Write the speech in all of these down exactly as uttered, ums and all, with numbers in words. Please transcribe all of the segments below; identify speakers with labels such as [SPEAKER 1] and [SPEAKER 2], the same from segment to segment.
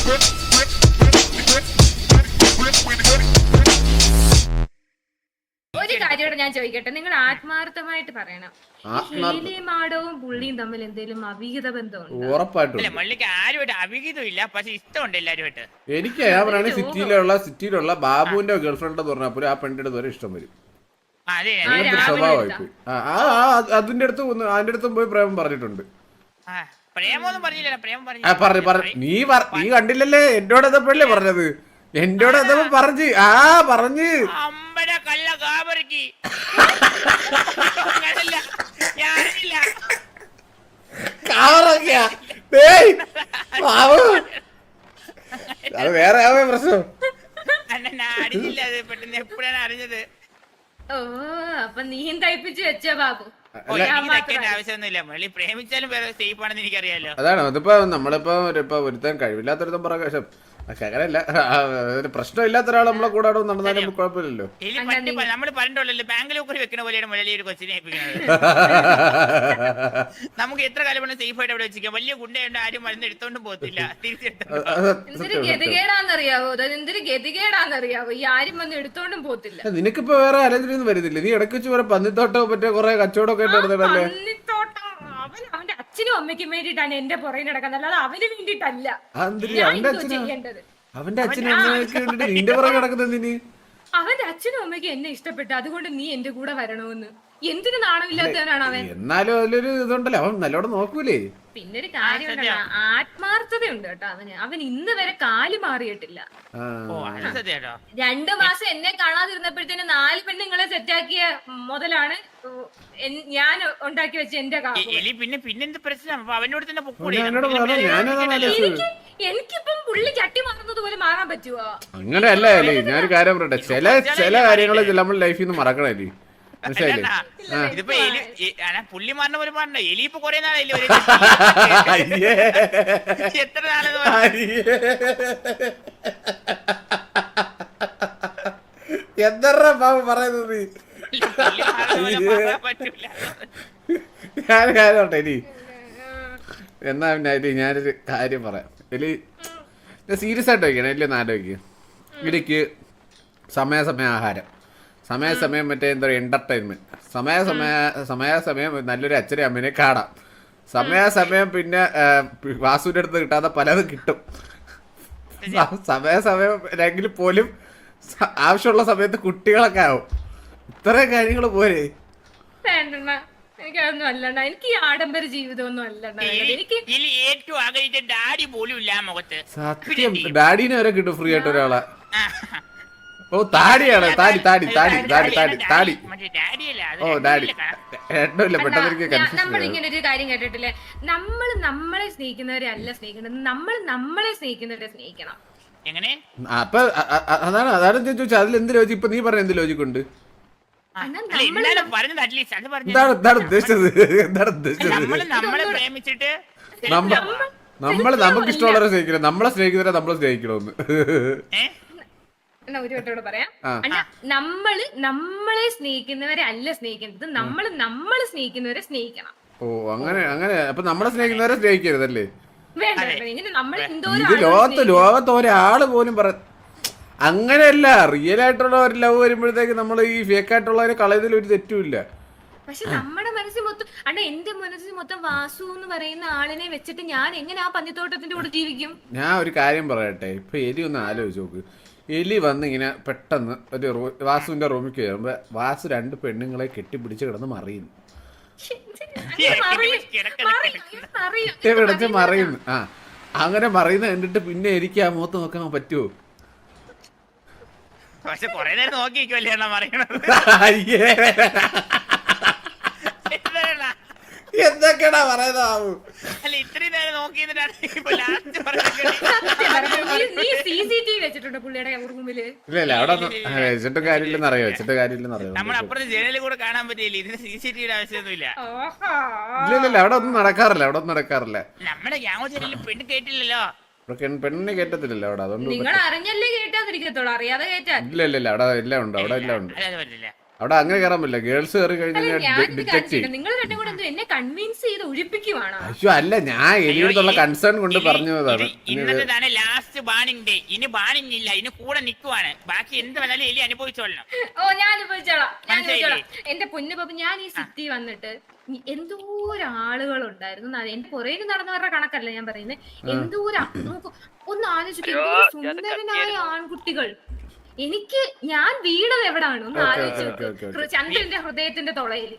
[SPEAKER 1] ഒരു കാര്യോടെ ഞാൻ ചോദിക്കട്ടെ, നിങ്ങൾ ആത്മാർത്ഥമായിട്ട് പറയണം, മാടവും പുള്ളിയും തമ്മിൽ എന്തെങ്കിലും അവിഹിത ബന്ധമുണ്ടോ?
[SPEAKER 2] ഉറപ്പായിട്ടും
[SPEAKER 3] മുള്ളിക്ക് ആരുമായിട്ട് അവിഹിതമില്ല, പക്ഷെ ഇഷ്ടമുണ്ട് എല്ലാരുമായിട്ട്.
[SPEAKER 2] എനിക്ക് ഞാൻ പറയാണ് സിറ്റിയിലുള്ള സിറ്റിയിലുള്ള ബാബുവിന്റെ ഗേൾഫ്രണ്ട് എന്ന് പറഞ്ഞപ്പോൾ ആ പെണ്ണിന്റെ അടുത്ത് ഇഷ്ടം വരും. സ്വഭാവമായി അതിന്റെ അടുത്ത് അതിന്റെ അടുത്തും പോയി പ്രേമം പറഞ്ഞിട്ടുണ്ട്. നീ നീ കണ്ടില്ലല്ലേ എന്നോട് എതപ്പോഴല്ലേ പറഞ്ഞത്? എന്നോട് എതപ്പോ പറഞ്ഞ് ആ പറഞ്ഞ് അത് വേറെ പ്രശ്നം.
[SPEAKER 3] അറിഞ്ഞത്
[SPEAKER 1] ഓ അപ്പൊ നീയും തയ്പ്പിച്ച് വെച്ച ബാബു.
[SPEAKER 3] ആവശ്യമൊന്നുമില്ല, മള്ളി പ്രേമിച്ചാലും സേഫ് ആണെന്ന് എനിക്കറിയാലോ.
[SPEAKER 2] അതാണ് അതിപ്പോ നമ്മളിപ്പോ ഇപ്പൊ ഒരുത്തൻ കഴിവില്ലാത്തൊരുത്തൻ പറയാം, അങ്ങനല്ല പ്രശ്നമില്ലാത്ത ഒരാൾ നമ്മളെ കൂടെ നടന്നാലും കുഴപ്പമില്ലല്ലോ.
[SPEAKER 3] നമ്മള് പറഞ്ഞിട്ടുള്ളല്ലോ ബാംഗ്ലൂർ വെക്കണ പോലെയാണ് മുരളി ഒരു കൊച്ചിനെ ഏൽപ്പിക്കുന്നത്. നമുക്ക് എത്ര കാലം വേണം സേഫ് ആയിട്ട് അവിടെ വെച്ചിരിക്കാം. വലിയ ഗുണ്ടയുണ്ട്, ആരും മരുന്ന് എടുത്തോണ്ടും പോകത്തില്ല, തിരിച്ചെടുത്തോ.
[SPEAKER 1] എന്തൊരു ഗതികേടാന്നറിയാവോ, എന്തൊരു ഗതികേടാന്നറിയാവോ, ഈ ആരും വന്ന് എടുത്തോണ്ടും പോകത്തില്ല.
[SPEAKER 2] നിനക്കിപ്പോ വേറെ ആലോചനയൊന്നും വരുന്നില്ല. നീ ഇടയ്ക്ക് വെച്ച് വേറെ പന്നിത്തോട്ടോ മറ്റേ കുറെ കച്ചവടമൊക്കെ നടന്നല്ലേ?
[SPEAKER 1] അവന്റെ അച്ഛനും അമ്മയ്ക്കും വേണ്ടിട്ടാണ് എന്റെ പുറകെ നടക്കുന്നത്, അല്ലാതെ അവന് വേണ്ടിട്ടല്ല. ചെയ്യേണ്ടത്
[SPEAKER 2] അവന്റെ അച്ഛനും അമ്മയ്ക്ക് വേണ്ടിട്ട് നിന്റെ പുറകെ നടക്കുന്നത്.
[SPEAKER 1] അവന്റെ അച്ഛനും അമ്മയ്ക്കും എന്നെ ഇഷ്ടപ്പെട്ടു, അതുകൊണ്ട് നീ എന്റെ കൂടെ വരണമെന്ന്. എന്തിനു നാണമില്ലാത്തവനാണ് അവൻ.
[SPEAKER 2] എന്നാലും അതിലൊരു ഇതുണ്ടല്ലോ, അവൻ നല്ലോണം നോക്കൂലേ.
[SPEAKER 1] പിന്നെ ഒരു കാര്യമുണ്ടല്ലോ, ആത്മാർത്ഥതയുണ്ട് കേട്ടോ അവന്. അവൻ ഇന്ന് വരെ കാല് മാറിയിട്ടില്ല. രണ്ടു മാസം എന്നെ കാണാതിരുന്നപ്പോഴത്തേന് നാല് പെണ്ണുങ്ങളെ സെറ്റാക്കിയ മുതലാണ് ഞാൻ ഉണ്ടാക്കി വെച്ച എന്റെ കാല്.
[SPEAKER 3] പിന്നെ പിന്നെന്ത് പ്രശ്നം, അവനോട് തന്നെ
[SPEAKER 1] എനിക്കിപ്പം പുള്ളി ചട്ടി മാറുന്നത് പോലെ മാറാൻ പറ്റുവോ?
[SPEAKER 2] അങ്ങനെയല്ല അല്ലേ, ഞാനൊരു കാര്യം പറയട്ടെ, ചില ചില കാര്യങ്ങൾ നമ്മൾ ലൈഫിൽ നിന്ന് മറക്കണല്ലേ.
[SPEAKER 3] ഇതിപ്പോ പുള്ളി മാറിന പോലെ മാറണ്ട, എലി ഇപ്പൊ കൊറേ നാളല്ലേ എത്ര നാളെ
[SPEAKER 2] എന്തറ ബാബു പറയുന്നത്. ഞാൻ കാര്യോട്ടെ എലി, എന്നാ പിന്നെ എലി ഞാനൊരു കാര്യം പറയാം. എലി സീരിയസ് ആയിട്ട് വയ്ക്കണം, എല്ലാം ഒന്ന് ആലോചിക്കുക. എനിക്ക് സമയാസമയം ആഹാരം, സമയാസമയം മറ്റേ എന്താ പറയുക എന്റർടൈൻമെന്റ്, സമയാസമയ സമയാസമയം നല്ലൊരു അച്ഛനെ അമ്മേനെ കാണാം, സമയാസമയം പിന്നെ വാസുവിന്റെ അടുത്ത് കിട്ടാതെ പലതും കിട്ടും, സമയാസമയം അല്ലെങ്കിൽ പോലും ആവശ്യമുള്ള സമയത്ത് കുട്ടികളൊക്കെ ആവും. ഇത്രയും കാര്യങ്ങൾ പോരെ.
[SPEAKER 1] എനിക്കതൊന്നും അല്ലണ്ട, എനിക്ക് ഈ ആഡംബര ജീവിതമൊന്നും അല്ലണ്ട. എനിക്ക്
[SPEAKER 3] ഏറ്റവും ആഗ്രഹിച്ച ഡാഡി പോലും ഇല്ല മുഖത്ത്.
[SPEAKER 2] സത്യം, ഡാഡിനെ വരെ കിട്ടും ഫ്രീ ആയിട്ട് ഒരാളെ. ഓ താടിയാണ്, താടി താടി താടി താടി താടി താടി ഓ ഡാഡി ഏട്ടല്ല പെട്ടെന്ന്.
[SPEAKER 1] നമ്മളിങ്ങനെ ഒരു കാര്യം കേട്ടിട്ടില്ലേ, നമ്മൾ നമ്മളെ സ്നേഹിക്കുന്നവരെ അല്ല സ്നേഹിക്കുന്നത്, നമ്മൾ നമ്മളെ സ്നേഹിക്കുന്നവരെ സ്നേഹിക്കണം.
[SPEAKER 3] എങ്ങനെ?
[SPEAKER 2] അപ്പൊ അതാണ് അതാണ് ചോദിച്ചാൽ അതിൽ എന്ത് ലോജിക്? ഇപ്പൊ നീ പറഞ്ഞ എന്ത് ലോജിക് ഉണ്ട്? എന്താണ് എന്താണ് ഉദ്ദേശിച്ചത്? എന്താണ് ഉദ്ദേശിച്ചത്? നമ്മള് നമുക്ക് ഇഷ്ടമുള്ളവരെ സ്നേഹിക്കണം, നമ്മളെ സ്നേഹിക്കുന്നവരെ നമ്മളെ സ്നേഹിക്കണമെന്ന്.
[SPEAKER 1] ഒരു വട്ടോട് പറയാം, നമ്മള് നമ്മളെ സ്നേഹിക്കുന്നവരെ അല്ല സ്നേഹിക്കുന്നത്, നമ്മള് നമ്മള് സ്നേഹിക്കുന്നവരെ സ്നേഹിക്കണം.
[SPEAKER 2] ഓ അങ്ങനെ അങ്ങനെ. അപ്പൊ നമ്മളെ സ്നേഹിക്കുന്നവരെ സ്നേഹിക്കരുതല്ലേ?
[SPEAKER 1] ഇത്
[SPEAKER 2] ലോകത്ത് ലോകത്ത് ഒരാള് പോലും പറ അങ്ങനെയല്ല. റിയൽ ആയിട്ടുള്ള ഒരു ലവ് വരുമ്പോഴത്തേക്ക് നമ്മൾ ഈ ഫേക്ക് ആയിട്ടുള്ളവരെ കളയുന്നതിൽ ഒരു തെറ്റുമില്ല.
[SPEAKER 1] പക്ഷെ നമ്മുടെ മനസ്സിൽ മൊത്തം അണ്ട എന്റെ മനസ്സിൽ മൊത്തം വാസു എന്ന് പറയുന്ന ആളിനെ വെച്ചിട്ട് ഞാൻ എങ്ങനെ ആ പന്നിത്തോട്ടത്തിന്റെ കൂടെ ജീവിക്കും?
[SPEAKER 2] ഞാൻ ഒരു കാര്യം പറയട്ടെ, ഇപ്പൊ എലി ഒന്ന് ആലോചിച്ച് നോക്ക്. എലി വന്ന് ഇങ്ങനെ പെട്ടെന്ന് ഒരു വാസുവിന്റെ റൂമിൽ കയറുമ്പോ വാസു രണ്ട് പെണ്ണുങ്ങളെ കെട്ടിപ്പിടിച്ച് കിടന്ന് മറിയുന്നു, പിടിച്ച് മറിയുന്നു. ആ അങ്ങനെ മറിയുന്ന കണ്ടിട്ട് പിന്നെ എനിക്ക് ആ മുഖത്ത് നോക്കാൻ പറ്റുമോ?
[SPEAKER 3] പക്ഷെ കൊറേ നേരം നോക്കിയിരിക്കുമല്ലേ പറയണത്.
[SPEAKER 2] എന്തൊക്കെയാ പറയുന്നത്?
[SPEAKER 3] അല്ല ഇത്രയും നേരം നോക്കി
[SPEAKER 2] ഇല്ല അവിടെ വെച്ചിട്ട് കാര്യമില്ലെന്ന് അറിയോ? വെച്ചിട്ട് കാര്യമില്ലെന്ന് അറിയോ?
[SPEAKER 3] നമ്മളപ്പുറത്ത് ജനലിൽ കൂടെ കാണാൻ പറ്റില്ല, ഇതിന് സി സി ടി വിയുടെ ആവശ്യമൊന്നുമില്ല.
[SPEAKER 2] ഇല്ല ഇല്ല അവിടെ ഒന്നും നടക്കാറില്ല, അവിടെ ഒന്നും നടക്കാറില്ല.
[SPEAKER 3] നമ്മുടെ ഗ്യാങ് ജനലിൽ പെണ്ണ് കേട്ടില്ലല്ലോ,
[SPEAKER 2] പെണ്ണിനെ കേട്ടത്തില്ലല്ലോ അവിടെ. അതുകൊണ്ട്
[SPEAKER 1] നിങ്ങൾ അറിഞ്ഞല്ലേ കേട്ടാതിരിക്കത്തോളൂ, അറിയാതെ കേട്ടാ.
[SPEAKER 2] ഇല്ല ഇല്ല ഇല്ല അവിടെ എല്ലാം ഉണ്ട്, അവിടെ എല്ലാം ഉണ്ട്. അവിടെ അങ്ങനെ കയറാൻ പറ്റില്ല, ഗേൾസ് കയറി
[SPEAKER 1] അല്ല
[SPEAKER 2] കഴിഞ്ഞാൽ
[SPEAKER 1] ഞാനിത്
[SPEAKER 2] ഡിറ്റക്ട്
[SPEAKER 1] കാണിച്ചിട്ട്
[SPEAKER 2] ചെയ്യും.
[SPEAKER 1] നിങ്ങൾ രണ്ടും കൂടെ എന്തോ എന്നെ കൺവിൻസ് ചെയ്ത് ഒഴിപ്പിക്കുവാണോ?
[SPEAKER 2] അയ്യോ അല്ല, ഞാൻ എലിയോടുള്ള കൺസേൺ കൊണ്ട് പറഞ്ഞതാണ്.
[SPEAKER 3] ഇന്നത്തേതാണ് ലാസ്റ്റ് ബാണിംഗ് ഡേ. ഇനി ബാണിംഗ് ഇല്ല, ഇനി കൂടെ നിക്കുവാണ്. ബാക്കി എന്ത് വേണാലും എലി അനുഭവിച്ചോളണം.
[SPEAKER 1] ഓ ഞാൻ അനുഭവിച്ചോളാം, ഞാൻ
[SPEAKER 3] മനസ്സിലായില്ലേ?
[SPEAKER 1] അനുഭവിച്ചോളാം. എന്റെ പൊന്നു പാപ്പ, ഞാൻ ഈ സിറ്റി വന്നിട്ട് എന്തോരം ആളുകളുണ്ടായിരുന്നു. എന്റെ പുറകിൽ നടന്നവരുടെ കണക്കല്ല ഞാൻ പറയുന്നത്. എന്തോരം നോക്കൂ, ഒന്ന് ആലോചിക്കും, എന്തോരം സുന്ദരനായ ആൺകുട്ടികൾ. എനിക്ക് ഞാൻ വീണത് എവിടാണ് ഒന്ന് ആലോചിച്ചു. ചന്ദ്രന്റെ ഹൃദയത്തിന്റെ തുളയില്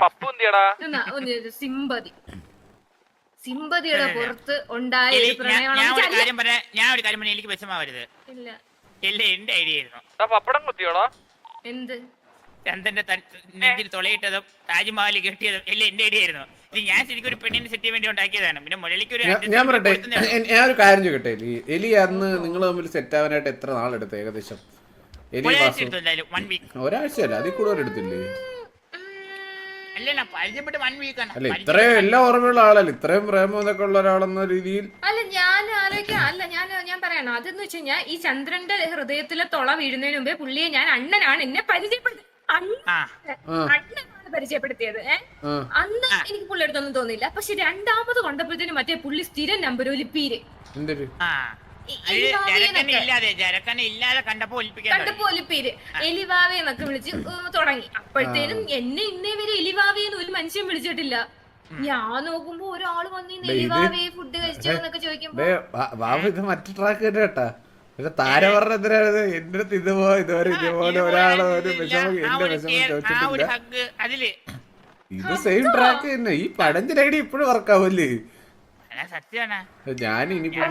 [SPEAKER 1] സിമ്പതി സിമ്പതിയുടെ പുറത്ത് ഉണ്ടായ
[SPEAKER 3] എലി,
[SPEAKER 1] ഒരു
[SPEAKER 3] ഞാൻ- ഞാൻ ഒരു
[SPEAKER 1] പ്രണയമാണ്.
[SPEAKER 3] കാര്യം പറയാം ഞാൻ ഒരു കാര്യം പറഞ്ഞാൽ എനിക്ക് വിഷമാവരുത്.
[SPEAKER 1] ഇല്ല
[SPEAKER 3] എല്ലാം എന്റെ ഐഡിയ ആയിരുന്നു.
[SPEAKER 1] എന്ത്
[SPEAKER 3] ചന്ദ്രന്റെ നെഞ്ചിൽ തുളയിട്ടതും താജ്മഹൽ കെട്ടിയതും എല്ലാം എന്റെ ഐഡിയ ആയിരുന്നു. ഇത് ഞാൻ ശരിക്കും ഒരു പെണ്ണിനെ സെറ്റ് ചെയ്യാൻ വേണ്ടി ഉണ്ടാക്കിയതാണ്. പിന്നെ മുരളിക്ക് ഒരു
[SPEAKER 2] ഞാൻ- ഞാൻ പറയട്ടെ, ഞാൻ ഒരു കാര്യം ചോദിക്കട്ടെ, എലി എലി അന്ന് നിങ്ങൾ തമ്മിൽ സെറ്റ് ആവാനായിട്ട് എത്ര നാളെടുത്ത് ഏകദേശം? എലി വാസു
[SPEAKER 3] വൺ വീക്ക്
[SPEAKER 2] ഒരാഴ്ചയല്ല, അതിൽ കൂടുതൽ എടുത്തില്ലേ?
[SPEAKER 3] അല്ലല്ല, പരിചയപ്പെട്ട് വൺ വീക്ക് ആണ്.
[SPEAKER 2] അല്ല, ഇത്രയും എല്ലാം ഓർമ്മയുള്ള ആളല്ല, ഇത്രയും പ്രേമം ഇതൊക്കെ ഉള്ള ഒരാളെന്ന രീതിയിൽ.
[SPEAKER 1] അല്ല ഞാൻ ആലോചിക്കാം, അല്ല ഞാൻ ഞാൻ പറയണോ അതെന്ന് വെച്ച് കഴിഞ്ഞാൽ ഈ ചന്ദ്രന്റെ ഹൃദയത്തിലെ തുള വീഴുന്നതിന് മുമ്പേ പുള്ളിയെ ഞാൻ അണ്ണനാണ് എന്നെ പരിചയപ്പെടുത്തി
[SPEAKER 3] ആ
[SPEAKER 1] അണ്ണനാണ് പരിചയപ്പെടുത്തിയത്. ഏഹ് അന്ന് എനിക്ക് പുള്ളി അടുത്തൊന്നും തോന്നിയില്ല. പക്ഷെ രണ്ടാമത് കൊണ്ടപ്പോഴത്തേനും മറ്റേ പുള്ളി സ്ഥിരം നമ്പർ ഒലിപ്പീര്
[SPEAKER 2] എന്തൊരു
[SPEAKER 3] ആ ജരക്കനെ ഇല്ലാതെ ജരക്കനെ ഇല്ലാതെ കണ്ടപ്പോ ഒലിപ്പിക്കാൻ
[SPEAKER 1] കണ്ടപ്പോ ഒലിപ്പീര് എലിവാവെ എന്നൊക്കെ വിളിച്ച് തുടങ്ങി. അപ്പോഴത്തേനും എന്നെ ഇന്നേ വരെ എലിവാവേന്ന് ഒരു മനുഷ്യൻ വിളിച്ചിട്ടില്ല. ഞാൻ നോക്കുമ്പോ ഒരാള് വന്നിന്ന് എലിവാവേ ഫുഡ് കഴിച്ചോ എന്നൊക്കെ ചോദിക്കുമ്പോ
[SPEAKER 2] ബാബു ഇത് മറ്റു ട്രാക്ക് തന്നെ കേട്ടാ. പക്ഷെ താര പറഞ്ഞ എന്തിനാണ് എന്റെ അടുത്ത് ഇതുപോ ഇതുവരെ ഇതുപോലെ ഒരാള് ഒരു വിഷമം എന്റെ വിഷമം ചോദിച്ചിട്ടില്ല.
[SPEAKER 3] അതില്
[SPEAKER 2] ഇത് സെയിം ട്രാക്ക് തന്നെ. ഈ പടഞ്ച് ഐഡി ഇപ്പോഴും വർക്കാവൂല്ലേ?
[SPEAKER 3] സത്യാണ്.
[SPEAKER 2] ഞാൻ ഇനിയിപ്പോ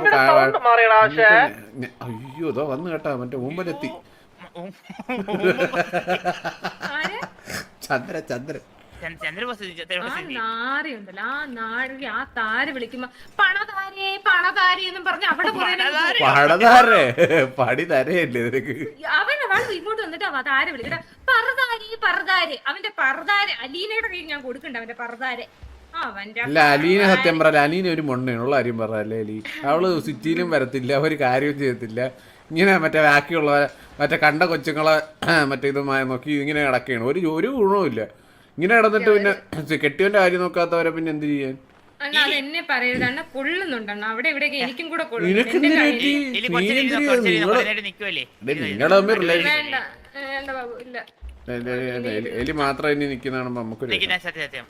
[SPEAKER 2] അയ്യോ ഇതോ വന്നു കേട്ടാ, മറ്റേ ഊമ്പലെത്തി ചന്ദ്ര ചന്ദ്ര
[SPEAKER 3] ചന്ദ്രബോസ്
[SPEAKER 1] ആ നാരിയുണ്ടല്ലോ, ആ നാരി ആ താര വിളിക്കുമ്പോ പണതാരേ പണതാരേ എന്നും പറഞ്ഞ് അവിടെ
[SPEAKER 2] പടതാരേ പടി തരയല്ലേ നിനക്ക്?
[SPEAKER 1] അവൻ അവൾ ഇങ്ങോട്ട് വന്നിട്ട് അവ താര വിളിക്കട്ടെ, പറതാരേ പറതാരേ. അവന്റെ പറതാരെ അലീനയുടെ കയ്യിൽ ഞാൻ കൊടുക്കണ്ട, അവന്റെ പറതാരെ. അവന്റെ
[SPEAKER 2] അല്ല അലീന സത്യം പറയല്ല, അലീന ഒരു മൊണ്ണയുള്ള കാര്യം പറഞ്ഞല്ലേ അലി. അവള് സിറ്റിയിലും വരത്തില്ല, ഒരു കാര്യവും ചെയ്യത്തില്ല. ഇങ്ങനെ മറ്റേ ബാക്കിയുള്ള മറ്റേ കണ്ട കൊച്ചുങ്ങളെ മറ്റേ ഇതുമായി നോക്കി ഇങ്ങനെ കിടക്കുകയാണ്. ഒരു ഒരു ഗുണവും ഇല്ല. ഇങ്ങനെ കിടന്നിട്ട് പിന്നെ കെട്ടിയവന്റെ കാര്യം നോക്കാത്തവരെ പിന്നെ എന്ത് ചെയ്യാൻ?
[SPEAKER 1] അണ്ണാ അത് എന്നെ പറയരുത്, അണ്ണ കൊള്ളുന്നുണ്ടണ്ണ അവിടെ ഇവിടെയൊക്കെ എനിക്കും കൂടെ
[SPEAKER 2] നിനക്ക് നിങ്ങളെ തമ്മിൽ റിലേഷൻ
[SPEAKER 1] വേണ്ട വേണ്ട ബാബു ഇല്ല.
[SPEAKER 2] എലി മാത്രം ഇനി നിൽക്കുന്നതാണ് നമുക്കൊരു
[SPEAKER 3] സത്യം.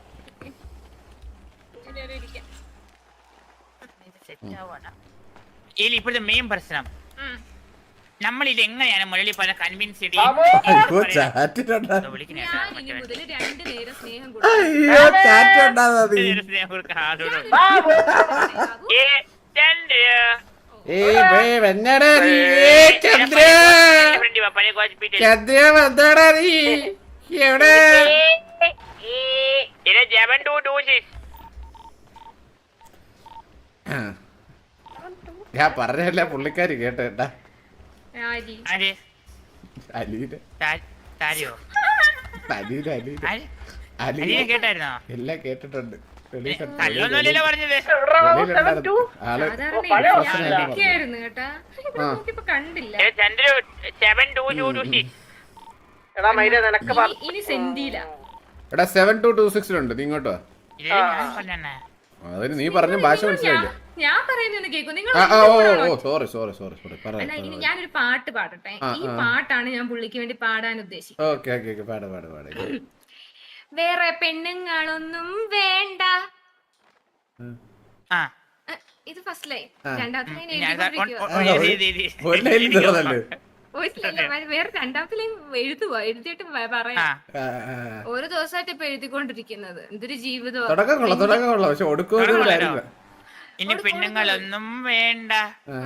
[SPEAKER 3] ഇതിൽ ഇപ്പോഴത്തെ മെയിൻ പ്രശ്നം നമ്മൾ ഇത് എങ്ങനെയാണ് മുരളി പല കൺവിൻസ് ചെയ്ത്
[SPEAKER 1] ഞാൻ ഇനി മുതൽ രണ്ടു നേരം സ്നേഹം
[SPEAKER 2] ഞാൻ പറഞ്ഞല്ല പുള്ളിക്കാരി കേട്ടേട്ടാ. അലീന അലീന
[SPEAKER 3] കേട്ടായിരുന്നോ?
[SPEAKER 2] എല്ലാം കേട്ടിട്ടുണ്ട്.
[SPEAKER 1] കണ്ടില്ല ഇനി സെന്റിയില്ല.
[SPEAKER 2] എടാ സെവൻ ടു ടു സിക്സിലുണ്ട്, നീ ഇങ്ങോട്ടോ. അതിന് നീ പറഞ്ഞ ഭാഷ മനസ്സിലായില്ലേ?
[SPEAKER 1] ഞാൻ പറയുന്നത് കേൾക്കും നിങ്ങൾ.
[SPEAKER 2] സോറി സോറി സോറി സോറി
[SPEAKER 1] അല്ല ഇനി ഞാനൊരു പാട്ട് പാടട്ടെ. ഈ പാട്ടാണ് ഞാൻ പുള്ളിക്ക് വേണ്ടി പാടാൻ ഉദ്ദേശിക്കുന്നത്.
[SPEAKER 2] ഓക്കെ ഓക്കെ ഓക്കെ പാട് പാട് പാട്.
[SPEAKER 1] വേറെ പെണ്ണുങ്ങളൊന്നും വേണ്ട. ഇത് ഫസ്റ്റ് ലൈൻ. രണ്ടാമത്തെ ലൈൻ വേറെ രണ്ടാമത്തെ ലൈൻ എഴുതുവാ, എഴുതിയിട്ട് പറയാം. ഓരോ ദിവസമായിട്ട് ഇപ്പൊ എഴുതിക്കൊണ്ടിരിക്കുന്നത്. എന്തൊരു ജീവിതം.
[SPEAKER 3] ഇനി പെണ്ണുങ്ങളൊന്നും വേണ്ട.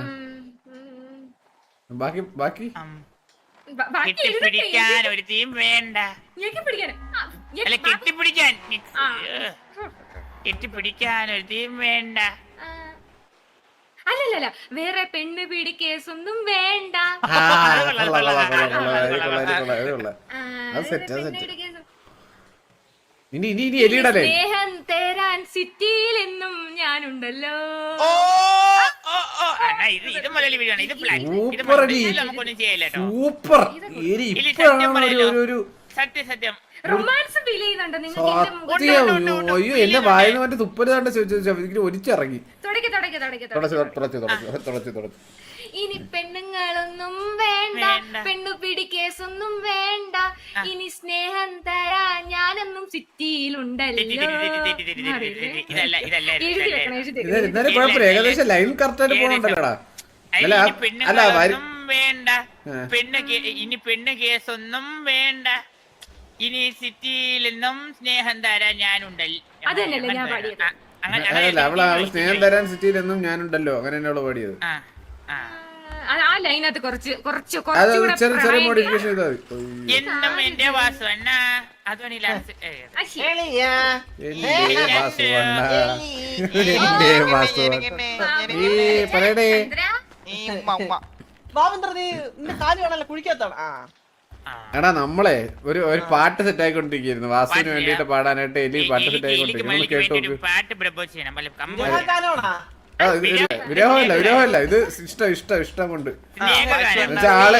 [SPEAKER 2] ബാക്കി ബാക്കി
[SPEAKER 3] കെട്ടിപ്പിടിക്കാൻ ഒരു തീം വേണ്ട. അല്ല കെട്ടിപ്പിടിക്കാൻ കെട്ടിപ്പിടിക്കാൻ ഒരു തീം വേണ്ട.
[SPEAKER 1] അല്ലല്ല വേറെ പെണ്ണ് പിടി കേസൊന്നും വേണ്ട. സ്നേഹം തേരാൻ സിറ്റിയിൽ എന്നും ഞാനുണ്ടല്ലോ.
[SPEAKER 2] സൂപ്പർ.
[SPEAKER 3] സത്യം സത്യം
[SPEAKER 1] റൊമാൻസ് ഫീൽ ചെയ്യുന്നുണ്ടോ നിങ്ങൾക്ക് എന്റെ മുഖത്ത്?
[SPEAKER 2] സത്യം അയ്യോ എന്റെ വായന മറ്റേ തുപ്പല് കണ്ട ഇതിന് ഒരിച്ചിറങ്ങി
[SPEAKER 1] തുടക്കി തുടക്കി തുടക്കി
[SPEAKER 2] തുടച്ചു
[SPEAKER 1] തുടക്കി
[SPEAKER 2] തുടച്ചു തുടച്ചു തുടച്ചു തുടച്ചു
[SPEAKER 1] ഇനി പെണ്ണുങ്ങളൊന്നും വേണ്ട,
[SPEAKER 3] വേണ്ട.
[SPEAKER 1] പെണ്ണു പിടി കേസൊന്നും വേണ്ട, ഇനി സ്നേഹം തരാ ഞാനെന്നും സിറ്റിയിലുണ്ടല്ലോ.
[SPEAKER 3] ഇതല്ല ഇതല്ല
[SPEAKER 1] എഴുതി വെക്കണം, എഴുതി
[SPEAKER 2] ഇത്
[SPEAKER 1] വെക്കണം.
[SPEAKER 2] എന്നാലും കുഴപ്പമില്ല ഏകദേശം ലൈൻ കറക്റ്റ് ആയിട്ട് പോകണ്ടല്ലോടാ അല്ല
[SPEAKER 3] ഇനി
[SPEAKER 2] അല്ല
[SPEAKER 3] പെണ്ണുങ്ങളൊന്നും വേണ്ട, പെണ്ണ് കേ- ഇനി പെണ്ണ് കേസൊന്നും വേണ്ട, ഇനി സിറ്റിയിൽ നിന്നും സ്നേഹം തരാൻ ഞാനുണ്ടല്ലോ.
[SPEAKER 1] അത് തന്നെയല്ലേ ഞാൻ പാടിയത്.
[SPEAKER 3] ആ, അങ്ങനെ
[SPEAKER 2] അതല്ല അവള് അവള് സ്നേഹം തരാൻ സിറ്റിയിലെന്നും ഞാനുണ്ടല്ലോ അങ്ങനെ തന്നെ അവള് പാടിയത്
[SPEAKER 3] ആ, ആ.
[SPEAKER 1] ആ, ആ ലൈനകത്ത് കുറച്ച് കുറച്ച്
[SPEAKER 2] അത്
[SPEAKER 1] കുറച്ചുകൂടെ
[SPEAKER 2] ചെറിയ ചെറിയ
[SPEAKER 1] പ്രായം-
[SPEAKER 2] മോഡിഫിക്കേഷൻ ചെയ്താൽ മതി
[SPEAKER 3] എന്നും എന്റെ വാസു അണ്ണ അതാണ് ലാസ്റ്റ്
[SPEAKER 1] ആ, ശരി.
[SPEAKER 2] എന്റെ വാസുവണ്ണ എന്റെ വാസുവണ്ണ ഈ പറയടേ
[SPEAKER 1] ചന്ദ്ര,
[SPEAKER 4] ബാബേന്ദ്ര നീ നിന്റെ കാല് കാണാനല്ല കുഴിക്കാത്താണ് ആ
[SPEAKER 2] എടാ നമ്മളെ ഒരു ഒരു പാട്ട് സെറ്റ് ആയിക്കൊണ്ടിരിക്കുന്നു വാസുവിന് വേണ്ടിട്ട് പാടാനായിട്ട് എലി പാട്ട് സെറ്റ് ആയിക്കൊണ്ടിരിക്കുന്നു നമ്മൾ കേട്ടു നോക്ക്
[SPEAKER 3] പാട്ട് പ്രപ്പോസ് ചെയ്യണം വല്ല കമ്പ-
[SPEAKER 4] ഇതാ കാലമാണാ
[SPEAKER 2] ആ, ഇത് ഇത് വിരഹമല്ല വിരഹമല്ല ഇത് ഇഷ്ടം ഇഷ്ടം ഇഷ്ടം കൊണ്ട്
[SPEAKER 3] സ്നേഹ ഗാനം.
[SPEAKER 2] എന്നുവെച്ചാ ആള്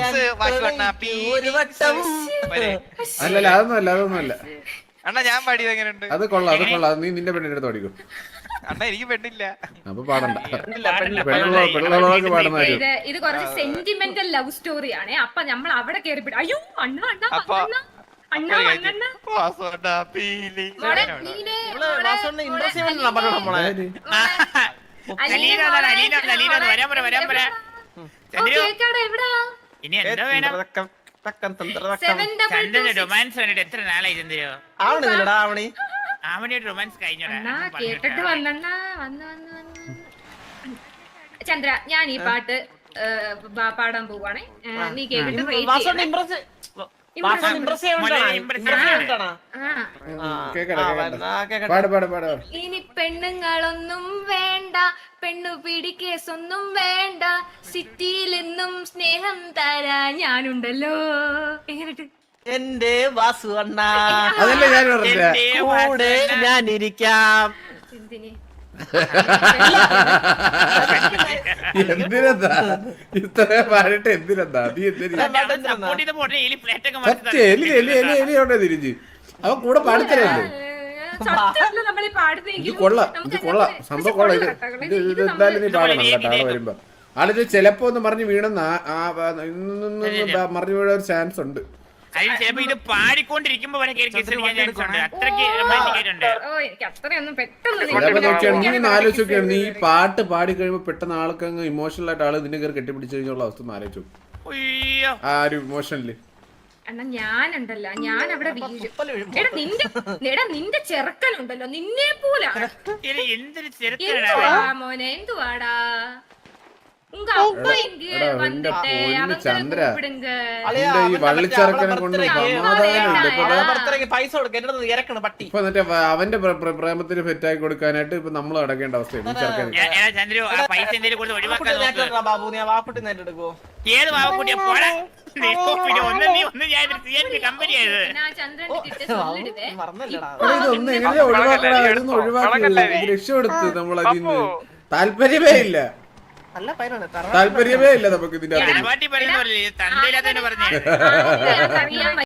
[SPEAKER 4] ഒരു വട്ടം
[SPEAKER 2] അല്ലല്ല അതൊന്നും അല്ല അതൊന്നും അല്ല
[SPEAKER 5] അണ്ണാ ഞാൻ പാടിയത് എങ്ങനെയുണ്ട്
[SPEAKER 2] അത് കൊള്ളാം അത് കൊള്ളാം അത് നീ നിന്റെ പെണ്ണിന്റെ അടുത്ത് പഠിക്കും
[SPEAKER 5] അണ്ണാ എനിക്ക് പെണ്ണില്ല
[SPEAKER 2] അപ്പൊ പാടണ്ട
[SPEAKER 4] പെണ്ണില്ല, പെണ്ണില്ല.
[SPEAKER 2] പെണ്ണുള്ള പെണ്ണുള്ളവർക്ക് പാടുന്ന കാര്യം
[SPEAKER 1] ഇത് ഇത് കുറച്ച് സെന്റിമെന്റൽ ലവ് സ്റ്റോറി ആണ്. അപ്പൊ നമ്മൾ അവിടെ കേറിപ്പിട്ട് അയ്യോ അണ്ണ അണ്ണ
[SPEAKER 5] അപ്പൊ-
[SPEAKER 1] അണ്ണ അണ്ണ അണ്ണ
[SPEAKER 5] വാസുവണ്ണാ പീലി.
[SPEAKER 1] മോളെ, നീനെ,
[SPEAKER 4] ഇവള്
[SPEAKER 1] മോളെ,
[SPEAKER 4] വാസുവിനെ
[SPEAKER 1] മോളെ,
[SPEAKER 4] impress ചെയ്യാൻ വേണ്ടിയാണ് പറഞ്ഞത് നമ്മളെ.
[SPEAKER 2] അതായത്
[SPEAKER 1] മോളെ,
[SPEAKER 3] അലീന വന്നോ, അലീന വന്നോ, അലീന വന്നോ, വരാൻ പറ, വരാൻ പറ.
[SPEAKER 1] ഓ,
[SPEAKER 3] ചന്ദ്രു,
[SPEAKER 1] കേക്കാടാ, എവിടാ?
[SPEAKER 3] ഇനി എന്താ വേണം?
[SPEAKER 4] തന്തറക്കം, തക്കം, തന്തറക്കം.
[SPEAKER 1] Seven double two
[SPEAKER 3] ചന്ദ്രന്
[SPEAKER 1] six.
[SPEAKER 3] റൊമാൻസ് വേണ്ടിട്ട് എത്ര നാളായി ചന്ദ്രോ?
[SPEAKER 4] ആവണില്ലടാ ആവണി
[SPEAKER 3] ആവണിയുടെ റൊമാൻസ് കഴിഞ്ഞോടാ.
[SPEAKER 1] അണ്ണാ
[SPEAKER 3] ഞാൻ പറഞ്ഞിട്ട്
[SPEAKER 1] കേട്ടിട്ട് വന്നണ്ണ വന്ന് വന്ന് വന്ന് ചന്ദ്ര ഞാൻ ഈ പാട്ട് ഏ, പാ- പാടാൻ പോവാണേ ഏ, നീ കേട്ടിട്ട് rate
[SPEAKER 4] വാസുവിനെ
[SPEAKER 1] ചെയ്യണേ.
[SPEAKER 4] ഇംപ്രസ്
[SPEAKER 1] Impress
[SPEAKER 4] വാസുവിനെ ഇംപ്രസ് ചെയ്യാൻ
[SPEAKER 3] മോളെ
[SPEAKER 4] വേണ്ടിയാണ്
[SPEAKER 3] impress
[SPEAKER 4] impress ചെയ്യാൻ
[SPEAKER 3] ചെയ്യാൻ
[SPEAKER 4] വേണ്ടിയാണോ?
[SPEAKER 1] ആ.
[SPEAKER 4] ആ,
[SPEAKER 2] കേക്കട്ടെ,
[SPEAKER 4] ആ,
[SPEAKER 2] കേക്കട്ടെ.
[SPEAKER 4] ആ, കേക്കട്ടെ.
[SPEAKER 2] പാട് പാട് പാട്
[SPEAKER 1] ഇനി പെണ്ണുങ്ങളൊന്നും വേണ്ട, പെണ്ണു പിടി കേസൊന്നും വേണ്ട, സിറ്റിയിൽ നിന്നും സ്നേഹം തരാ ഞാനുണ്ടല്ലോ. എങ്ങനെട്ട്
[SPEAKER 4] എന്റെ വാസു അണ്ണ
[SPEAKER 2] അതല്ലേ ഞാൻ പറഞ്ഞില്ല
[SPEAKER 3] എന്റെ
[SPEAKER 4] കൂടെ
[SPEAKER 3] വാസന.
[SPEAKER 4] ഞാൻ ഇരിക്കാം
[SPEAKER 1] എന്തിന്
[SPEAKER 2] എന്തിനെന്താ ഇത്ര പാടിട്ട് എന്തിനെന്താ നീ എന്തിനാ
[SPEAKER 3] അവൻ support ചെയ്ത് പോട്ടെ, എലി plate ഒക്കെ മറിച്ച്
[SPEAKER 2] സത്യം എലി എലി എലി എലി അവിടെ തിരിഞ്ഞ് അവൻ കൂടെ പാടിത്തരല്ലേ
[SPEAKER 1] സത്യമല്ല നമ്മളീ
[SPEAKER 2] ഇത്
[SPEAKER 1] പാടുന്നെങ്കിൽ
[SPEAKER 2] കൊള്ളാം ഇത്
[SPEAKER 1] നമുക്ക്
[SPEAKER 2] കൊള്ളാം
[SPEAKER 1] അങ്ങനത്തെ-
[SPEAKER 2] സംഭവം കൊള്ളാം ഇത് ഇത് ഇത് എന്തായാലും നീ പാടണം കേട്ടോ ആള് വരുമ്പോ ആളിത് ചിലപ്പോ ഒന്ന് മറിഞ്ഞ് വീണെന്ന് മറിഞ്ഞു വീഴാൻ ഒരു ചാൻസ് ഉണ്ട്
[SPEAKER 3] അതിന് ചിലപ്പോ ഇത് പാടിക്കൊണ്ടിരിക്കുമ്പോ വരെ കേറി kiss അടിക്കാൻ chance ഉണ്ട്. അത്രയ്ക്ക് romantic ആയിട്ടുണ്ട്.
[SPEAKER 1] ഓ എനിക്ക് അത്രയൊന്നും പെട്ടെന്ന്
[SPEAKER 2] ചിലപ്പോ
[SPEAKER 1] നിങ്ങൾക്ക്
[SPEAKER 2] നോക്കിയാണ് നീ
[SPEAKER 1] ഞാൻ
[SPEAKER 2] ഒന്ന് ആലോചിച്ച് നോക്കിയാണ് നീ ഈ പാട്ട് പാടി കഴിയുമ്പോ പെട്ടെന്ന് ആൾക്ക് അങ്ങ് ഇമോഷണൽ ആയിട്ട് ആള് നിന്നെ കയറി കെട്ടിപ്പിടിച്ച് കഴിഞ്ഞുള്ള അവസ്ഥ ഒന്ന് ആലോചിച്ചു
[SPEAKER 3] ഉയ്യോ.
[SPEAKER 2] ആ ഒരു ഇമോഷണല്
[SPEAKER 1] അണ്ണാ ഞാനുണ്ടല്ല ഞാൻ അവിടെ വീഴും.
[SPEAKER 4] തുപ്പല് വീഴും.
[SPEAKER 1] എടാ നിന്റെ എടാ നിന്റെ ചെറുക്കനുണ്ടല്ലോ നിന്നെ പോലാ.
[SPEAKER 3] ഇത് എന്തൊരു ചെറുക്കനാ.
[SPEAKER 1] എന്തുവാ മോനെ എന്തുവാടാ ഉങ്ക அப்பா இங்க
[SPEAKER 2] എടാ, എന്റെ
[SPEAKER 1] வந்துட்டு
[SPEAKER 2] പൊന്ന്
[SPEAKER 1] அவங்கள
[SPEAKER 2] ചന്ദ്ര.
[SPEAKER 1] கூப்பிடுங்க.
[SPEAKER 4] അളിയാ,
[SPEAKER 2] നിന്റെ ഈ
[SPEAKER 4] അവന്റെ
[SPEAKER 2] വള്ളിച്ചെറുക്കനെ
[SPEAKER 4] മറ്റേ
[SPEAKER 2] കൊണ്ട്
[SPEAKER 4] അവളെ
[SPEAKER 2] സമാധാനം ഇല്ല ഇപ്പൊ
[SPEAKER 4] അവളെ
[SPEAKER 2] ദാ
[SPEAKER 4] ബർത്ത്ഡേക്ക് പൈസ കൊടുക്ക എന്റെ അടുത്ത് ഇറക്കണ് പട്ടി
[SPEAKER 2] ഇപ്പൊ എന്നിട്ട് വ- അവന്റെ പ്ര- പ്ര- പ്രേമത്തിന് ഫെറ്റാക്കി കൊടുക്കാനായിട്ട് ഇപ്പൊ നമ്മൾ അടക്കേണ്ട അവസ്ഥയാണ് ഈ ചെറുക്കന്
[SPEAKER 3] എ- എടാ ചന്ദ്രു, ആ പൈസ എന്തെങ്കിലും കൊടുത്ത് ഒഴിവാക്കാൻ നോക്ക്.
[SPEAKER 4] ബാബു നീ ആ വാക്കുട്ടി നേരിട്ട് എടുക്കുവോ
[SPEAKER 3] ഏത് വാവക്കുട്ടിയെ പോടാ. നീ പിന്നെ ഒന്ന് നീ ഒന്ന് ഞാൻ കമ്പനി ആയത്.
[SPEAKER 1] நான் சந்திரன் கிட்ட சொல்லிடுவேன்.
[SPEAKER 4] മറന്നല്ലടാ
[SPEAKER 2] എടാ, ഇതൊന്നും എങ്ങനെയാ ഒഴിവാക്കടാ ഇതൊന്നും ഒഴിവാക്കില്ല ഇത് രക്ഷപ്പെടുത്ത് നമ്മൾ അതിന്ന് താല്പര്യമേ ഇല്ല
[SPEAKER 4] നല്ല പൈനാണ്
[SPEAKER 2] താല്പര്യമേ ഇല്ല നമുക്ക് ഇതിന്റെ അകത്ത്
[SPEAKER 3] പാട്ടി പറയുന്ന പോലെ തന്തയില്ലാത്തന്നെ പറഞ്ഞേ.
[SPEAKER 1] ആ, അത് അറിയാൻ